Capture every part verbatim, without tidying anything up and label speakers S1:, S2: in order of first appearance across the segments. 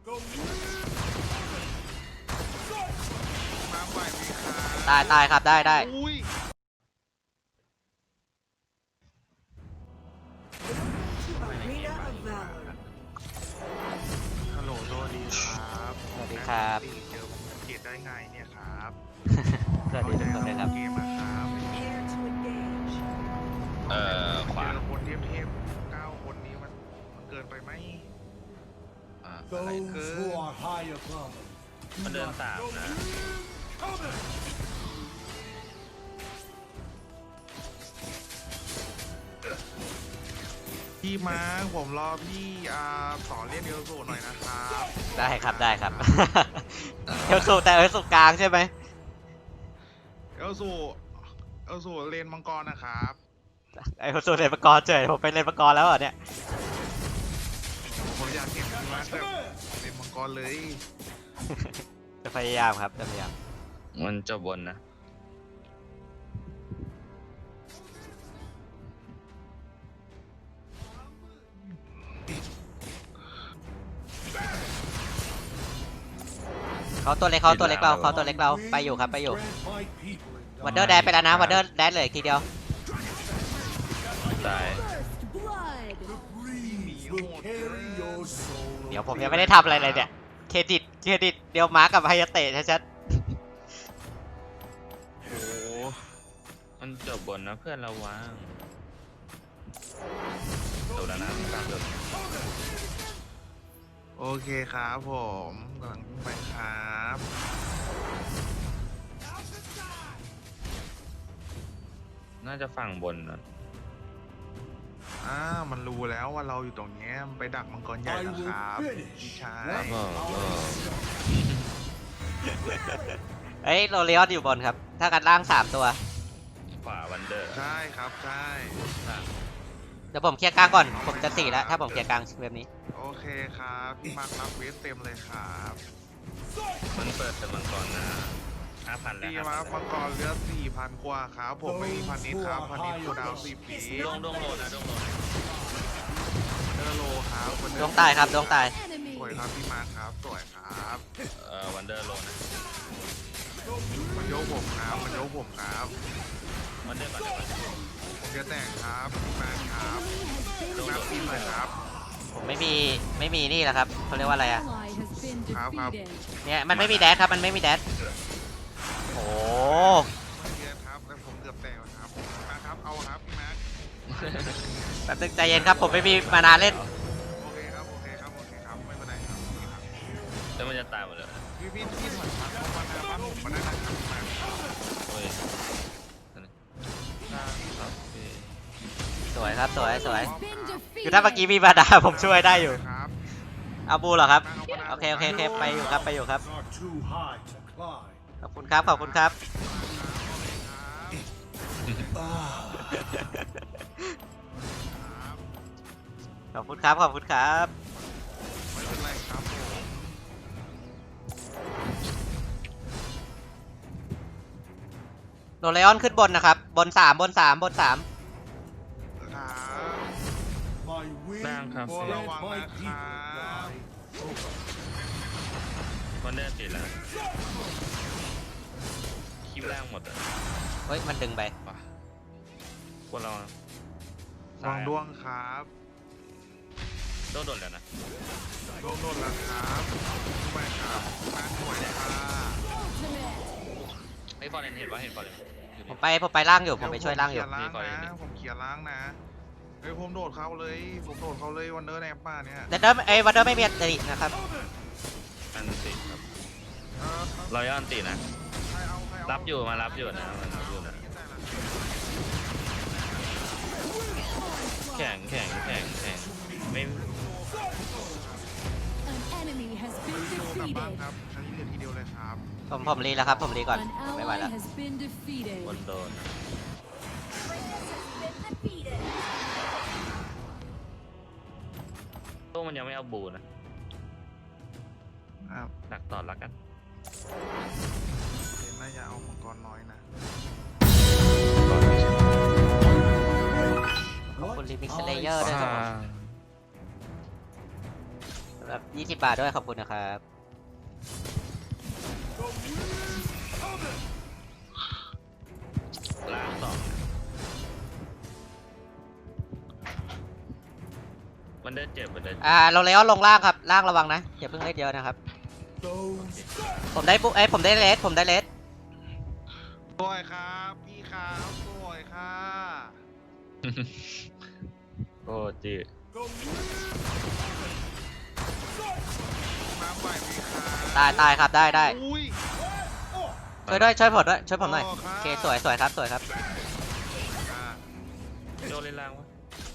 S1: มาใหม่ดีครับ
S2: ตายตายครับได้ได้
S1: อุ้ยฮัลโหลสวัสดีครับ
S2: สวัสดีครับ
S1: เจอผมสังเกตได้ไงเนี่ยครับ
S2: สวัสดีทุกคนเลยครับ
S1: เกมอะครับ
S3: เอ่อขวา
S1: เจอคนเทพเทพเก้าคนนี้มันมันเกินไปไหม
S3: อ่าอะไร
S4: Those who are high above
S3: มันเดินสามนะ
S1: พี่มาร์คผมรอพี่อ่าสอนเรียนเดียวสูหน่อยนะครับ
S2: ได้ครับได้ครับ เอลสูแต่เอลสูกลางใช่ไหม
S1: เอลสูเอลสูเรียนมังกรนะครับ
S2: เอลสูเล่นมังกรเฉยผมไปเล่นมังกรแล้วเหรอเนี่ย
S1: ผมอยากเห็นพี่มาร์คแบบเรียนมังกรเลย
S2: จะพยายามครับจะพยายาม
S3: มันจบบนนะ
S2: เขาตัวเล็กเขาตัวเล็กเราเขาตัวเล็กเราไปอยู่ครับไปอยู่
S4: grant my people in
S2: วันเดอร์แดนไปแล้วนะวันเดอร์แดนเหลืออีกทีเดียว
S3: ตาย
S4: breeze will carry your soul
S2: เดี๋ยวผมยังไม่ได้ทำอะไรเลยเนี่ยเครดิตเครดิตเดียวมาร์กกับไฮยาเตะชัด
S3: โอ้มันจบบนนะเพื่อนเราวางจบแล้วนะกลางจบ
S1: โอเคครับผมกำลังวิ่งไปครับ
S3: น่าจะฝั่งบนนะ
S1: อ่ามันรู้แล้วว่าเราอยู่ตรงเนี้ยมันไปดักมังกรใหญ่
S4: I
S1: แล้ว
S4: will
S1: ครับ
S4: finish
S1: พี่ชาย
S3: แล้วก็ก็
S2: ๆเอ้ยโรเลออนอยู่บนครับ ถ้ากันล่างสามตัว
S3: ขวาวันเดอร์
S1: ใช่ครับใช่
S2: เดี๋ยวผมเคลียร์กลางก่อนผมจะสี่แล้วถ้าผมเคลียร์กลางแบบนี้
S1: โอเคครับพี่มาร์ครับเวสเต็มเลยครับ
S3: มันเปิดแต่มังกรนะห้าพันแล้ว
S1: พี่
S3: ห้า
S1: มา
S3: พั
S1: ร์
S3: น
S1: มังกรเหลือสี่พันกว่าครับผมไม่มีพันนิดครับพันนิดคูลดาวน์สี่ปี
S3: ดวงดวงโลนะดวงโลนะ
S1: เดอร์โลครับวัน
S2: ด
S1: เดอ
S2: วง
S1: ร์
S2: ตายครับดวงตาย
S1: สวยครับพี่มาร์ครับสวยครับ
S3: เอ่อวันเดอร์โลนะ
S1: มันยกผมครับมันยกผมครับ
S3: วันเดอร์ก่อนเดี๋ยวก่อน
S1: ผมจะแต่งครับพี่มาร์ครับ
S3: ดวง
S1: นั
S3: โล
S1: บปีหน่อยครับ
S2: ผมไม่มีไม่มีนี่แหละครับเขาเรียกว่าอะไรอะ
S1: ครับครับ
S2: เนี่ยมันไม่มีแดดครับมันไม่มีแดดโอ้
S1: มันเยอะครับแล้วผมเกือบแต่งแล้วครับมาครับเอาครับพี่มาร์
S2: แป๊บนึงใจเย็นครับผมไม่มีมานานเล่น
S1: โอเคครับโอเคครับโอเคครับไม่เป็นไรครับ
S3: แล้วมันจะตายหมดเลย
S1: พี่พี่พี่ถอยมาเข้ามาหน้าบ้านผมมาได้นะครับพี่มาร์
S3: โอ้ยครับพี่
S2: สวยครับสวยสวย
S1: ค
S2: คือถ้าเมื่อกี้มีมาดาผมช่วยได้อยู่
S1: รับ
S2: เอาบูเหรอครับ
S1: มาามา
S2: โอเคโอเคโอเคไปอยู่ครับไปอยู่ครับ
S4: are too high to climb.
S2: ขอบคุณครับขอบคุณครับ ขอบคุณครับขอบคุณครับ
S1: ไม่เป็นไรครับผม
S2: โรเลออนขึ้นบนนะครับ บนสามบนสามบนสาม
S1: ครับ
S4: My wings
S3: ล่างครับ
S1: โอ้
S3: เสีย
S1: ระวัง
S4: my
S1: นะค
S4: people
S1: รับ
S4: die.
S3: วันเดอร์ติดแล้วคลิปล่างหมดอ่ะ
S2: เฮ้ยมันดึงไป
S3: ป่ะพวกเรา
S1: ลองดวงครับ
S3: โดนโดนแล้วนะ
S1: ดวงโดนแล้วครับไปครับมาสวยค่ะ
S3: ไอ้ฟอร์เรนเห็นว่าเห็นฟอร์เรน
S2: ผมไปผมไปล่างอยู่ผมไปช่วยล่างอยู่
S1: ผมเขียร์ล้างนะผมเขียร์ล้างนะเฮ้ยผมโดดเขาเลยผมโดดเขาเลยวันเดอร์แนปป้าเนี่ย
S2: เดนเดอร์ไอ้วันเดอร์ไม่มีอันตินะครับ
S3: อันติครับ
S1: เออ
S3: รอยัลอันตินะ
S1: ใครเอาใครเอา
S3: รับอยู่มารับอยู่นะมันรับอยู่นะแข่งแข่งแข่งแข่งไม่
S5: An enemy has been
S1: โดกลับบ้าน
S5: defeated.
S1: ครับใช้เหลือทีเดียวเลยครับ
S2: ผมผมรีแล้วครับผมรีก่อน
S5: An
S2: ไม่ไหว
S5: ally
S2: แล้ว
S5: has been defeated.
S3: บนโดนตู้มันยังไม่เอาบูนะ
S1: ครับ
S3: หนักต่อแล้วกัน
S1: เห็นน่าจะเอามังกรน้อยนะ
S2: ขอบคุณรีมิกซ์เลเยอร์ด้วยครับผมรับยี่สิบบาทด้วยขอบคุณนะครับ
S3: ล้างสองมันได้เจ็บมันได้
S2: อ่าเราเลออนลงล่างครับล่างระวังนะอย่าเพิ่งเล่นเยอะนะครับ
S4: Those
S2: ผมได้ปุ๊เอ้ยผมได้เลสผมได้เลส
S1: สวยครับพี่ครับสวยค่ะ
S3: โอ้จี
S4: go
S1: น้ำใหม่ไหมครับ
S2: ตายตายครับได้ได้
S1: อุ้ย
S2: ช่วยด้วยช่วยผมด้วยช่วยผมหน่อย
S1: โอ้ครับ
S2: โอเคสวยสวยครับสวยครับ
S1: อ่า
S3: โดนเล่นล่างวะ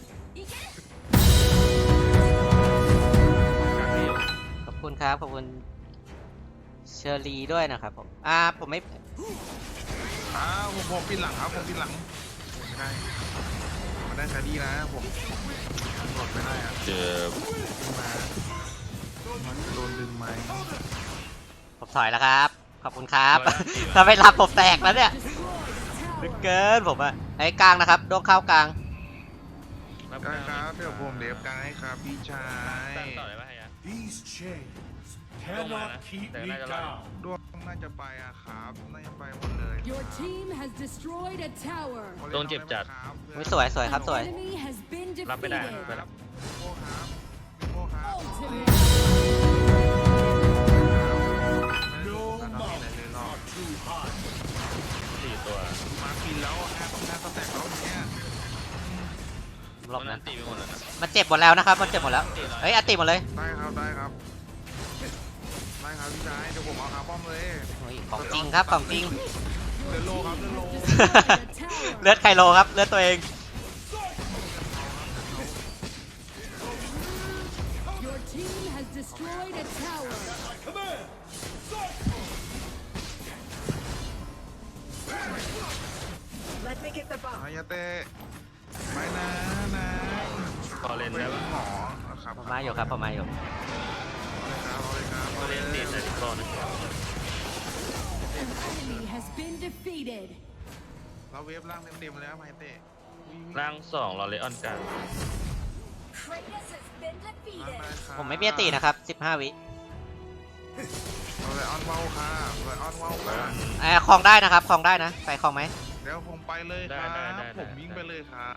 S2: ขอบคุณครับขอบคุณเชอรีด้วยนะครับผมอ่าผมไม่
S1: อ่าผมผมปิดหลังครับผมปิดหลังไม่ได้มันได้แคดีนะผมกดไม่ได้อะ
S3: เจ็บ
S1: ขึ้นมามันโดนดึงไหม
S2: ผมถอยแล้วครับขอบคุณครับ ถ้าไม่รับผมแตกแล้วเนี่ย
S5: Destroyed a
S2: ลึก
S5: tower.
S2: เกินผมอะไอ้กลางนะครับดวงเข้ากลาง
S1: ได้ครับเดี๋ยวผมเดฟกลางให้ครับพี่ชาย
S3: ตั้งต่อเลยป่ะฮะ
S4: These chains
S3: Don't
S4: cannot
S3: mind.
S4: keep
S3: They're
S4: me
S3: not allowed.
S4: down.
S1: ดวงน่าจะไปอะครับน่าจะไปหมดเลย
S5: Your team has destroyed a tower.
S3: โดนเจ็บจัด
S2: ไม่สวยสวยครับ
S5: An
S2: สวย
S5: enemy has been
S3: รับไม่ได้
S5: defeated.
S3: ไปรับ
S1: โอ้ครับโอ้ครับ
S5: Ultimate.
S4: No mountains are too high.
S3: สี่ตัว
S1: มาฟินแล้วห้าต้องห้าสแต็กแล้วเนี่ย
S2: รอบ
S3: มั
S2: นั้น น
S3: ตีไปหมดแล้วนะ
S2: มันเจ็บหมดแล้วนะครับมันเจ็บหมดแล้วเฮ้ยอัตติหมดเลย
S1: ได้ครับได้ครับได้ครับพี่ชายเดี๋ยวผมเอาคาร์ป้อมเลย
S2: โอ้ยของจริงครับของจริง
S1: เดินโลครับเดินโล
S5: Destroyed a tower.
S2: เลือดไคโลครับเลือดตัวเอง
S5: Your team has destroyed a tower.
S4: Command.
S1: อายาเตะไม่นะนะ
S3: พอเล่น
S1: เป็
S3: ได้
S1: น
S3: ปะ
S1: หมอครับ
S2: ผมมาอยู่ครับผมมาอยู่
S1: เอาเลยครับ
S3: พอ
S1: เอาเลย
S3: เล่น
S1: ครับ
S3: ตีใส่ทุกคนนะ
S5: An enemy has been defeated.
S1: เราเวฟล่างเต็มๆแล้วไมเตะ
S3: ล่างสองรอเลออนกลาง
S6: Kratos has been defeated.
S2: ผมไม่มีอัตตินะครับสิบห้าวิ
S1: เราเลยออนเว้าค่ะเลยออนเว้าค่ะ
S2: เอ่อคลองได้นะครับคลองได้นะไปคลองไหม
S1: เดี๋ยวผมไปเลยครับผมวิ่งไปเลยครับ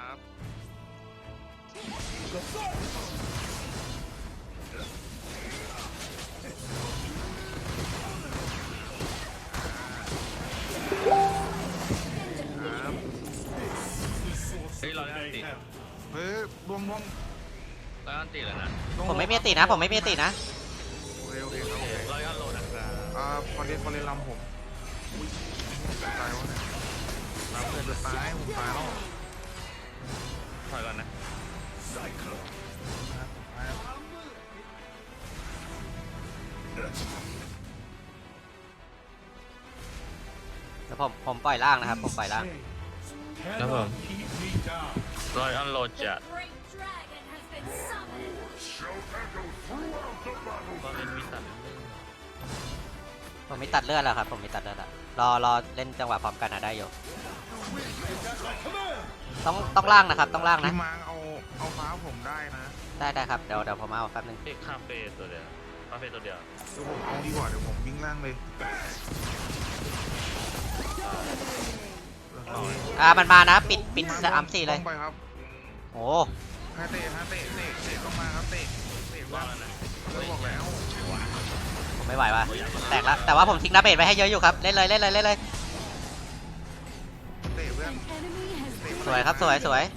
S3: เฮ้ยรอเลออนตี
S4: Mayhem.
S1: เฮ้ยดวงดวง
S3: รอเลออนตีแล้วนะ
S2: ผมไม่มีอัตตินะผมไม่มีอัตตินะ
S1: โอเคโอเคครับ
S3: โอ
S1: โอ
S3: เค
S1: เค
S3: รอเลออนโหลดนะครับ
S1: อ่าพอเล่นพอเล่นลำผมอุ้ยตายวะเนี่ยลำเพื่อนจะตายผมตายแล้ว
S3: ถอยก่อนนะ
S2: เดี๋ยวผมผมปล่อยล่างนะครับผมปล่อยล่าง
S4: Chains cannot keep me down.
S3: รอเลออนโหลดจัด
S6: The great dragon has been summoned.
S3: ก็เล่นมีตัด
S2: ผมมีตัดเลือดแล้วครับผมมีตัดเลือดแล้วรอรอเล่นจังหวะพร้อมกันนะได้อยู่ต้องต้องล่างนะครับต้องล่างนะ
S1: พี่มาร์คเอาเอาฟ้าผมได้นะ
S2: ได้ได้ครับเดี๋ยวเดี๋ยวผมเอาแป๊บนึง
S3: เอกคาเฟ่ตัวเดียวคาเฟ่ตัวเดียว
S1: เดี๋ยวผมเอาดีกว่าเดี๋ยวผมวิ่งล่างเลย
S2: อ่ามันมานะปิดปิดสามสี่เลย
S1: ต้องไปครับ
S2: โอ้
S1: ฮาเตะฮาเตะเตะเตะต้องมาครับเตะเตะ
S3: รอ
S1: ว่า
S3: แล้วนะ
S1: เราบอกแล้ว
S2: ผมไม่ไหวว่ะแตกแล้วแต่ว่าผมทิ้งดาเมจไว้ให้เยอะอยู่ครับเล่นเลยเล่นเลยเล่นเลย
S1: เตะเพื่อน
S5: An enemy has been
S2: สวยครับสวยสวย
S5: enemy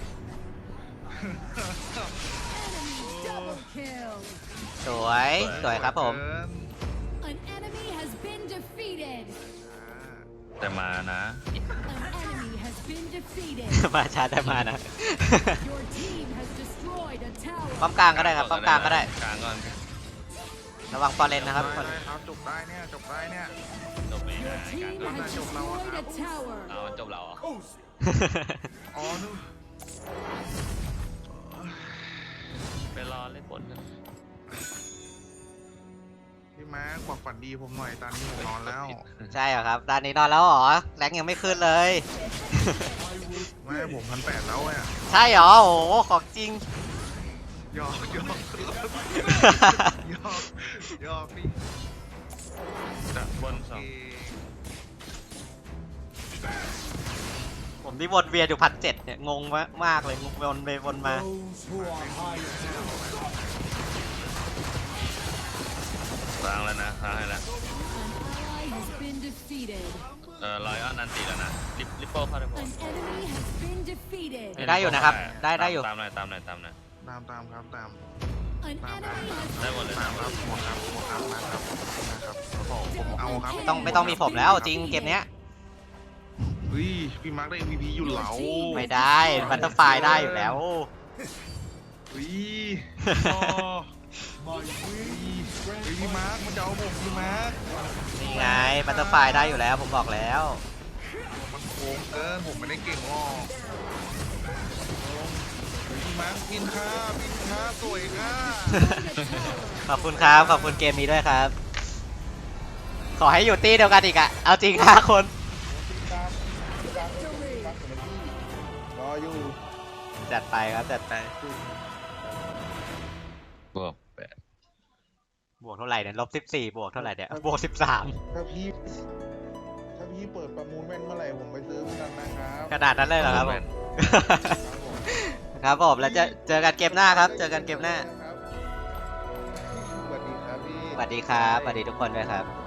S5: double kill.
S2: สวยสวยครับผม
S1: เกิน
S5: An enemy has been defeated.
S3: แต่มานะ
S5: An enemy has been defeated.
S2: มาช้าแต่มานะ
S5: Your team has destroyed a
S2: ป้อ
S5: tower.
S2: มกลางก็ได้ครับป้อมกลางก็ได้
S3: กลางก่อน
S2: ระวังฟอร์เรนนะครับ
S1: ได้ได้ครับจบได้เนี่ยจบได้เนี่ย
S3: จบไป
S5: Your
S3: นะกลาง
S5: team
S3: ก่อน
S5: has destroyed a tower.
S3: เอาจบแล้วเหรอ
S4: Cozy.
S1: อ๋อนู่น
S3: ไปรอเล่นบนกัน
S1: พี่มาร์คบอกฝันดีผมหน่อยตอนนี้ผมนอนแล้ว
S2: ใช่เหรอครับตอนนี้นอนแล้วเหรอแรงยังไม่ขึ้นเลย
S1: ไม่ผมพันแปดแล้วเนี่ย
S2: ใช่เหรอโอ้โหของจริง
S1: หยอกหยอกหยอกหยอกพี่
S3: จะบน
S1: โอ
S3: สอง
S1: เค
S2: ผมนี่วนเวียนอยู่พันเจ็ดเนี่ยงงมากมากเลยงงวนไปวนมา
S4: Those who are high above
S3: ล้างแล้วนะล้างให้แล้ว
S5: An ally has been defeated.
S3: เออร้อยอ้อนนันตีแล้วนะลิปลิปโป้เข้าได้ปะ
S5: An enemy has been defeated.
S2: ได้อยู่นะครับได้ได้อยู่
S3: ตามหน่อยตามหน่อยตามหน่อย
S1: ตามตามครับตาม
S5: An enemy has
S3: ได้หมดเลย
S1: ตา
S3: นะ
S1: มครับหมดครับหมดครับนะครับนะครับผมผมเอาครับ
S2: ไม่ต้องไม่ต้องมีผมแล้วจริงเกมเนี้ย
S1: เฮ้ยพี่มาร์คได้ เอ็ม วี พี อยู่เหลา
S2: ไม่ได้บัตเตอร์ไฟได้อยู่แล้ว
S1: เฮ้ยอ๋อ
S4: my
S1: เฮ้ย
S4: wings
S1: เฮ้ย
S4: grant
S1: พี่มาร์คมันจะเอาผมพี่มาร์ค
S2: นี่ไงบัตเตอร์ไฟได้อยู่แล้วผมบอกแล้ว
S1: มันโกงเกินผมไม่ได้เก่งหรอกเฮ้ยพี่มาร์คพินค่าพินค่าสวยค่า
S2: ขอบคุณครับขอบคุณเกมนี้ด้วยครับ ขอให้อยู่ตี้เดียวกันอีกอะเอาจริงห้าคน
S1: รออยู่
S2: จัดไปครับจัดไป
S3: บวกแปด
S2: บวกเท่าไหร่เนี่ยลบสิบสี่บวกเท่าไหร่เนี่ยบวกสิบสาม
S7: ถ้าพี่ ถ้าพี่เปิดประมูลแว่นเมื่อไหร่ผมไปซื้อเหมือนกันนะครับ
S2: ขนาดนั้นเลยเหรอครับผม
S7: ครับผม
S2: ครับผมแล้วจะเจอกันเกมหน้าครับ เจอกันเกมหน้า
S7: ครับสวัสดีครับพี่
S2: สวัสดีครับสวัสดีทุกคนด้วยครับ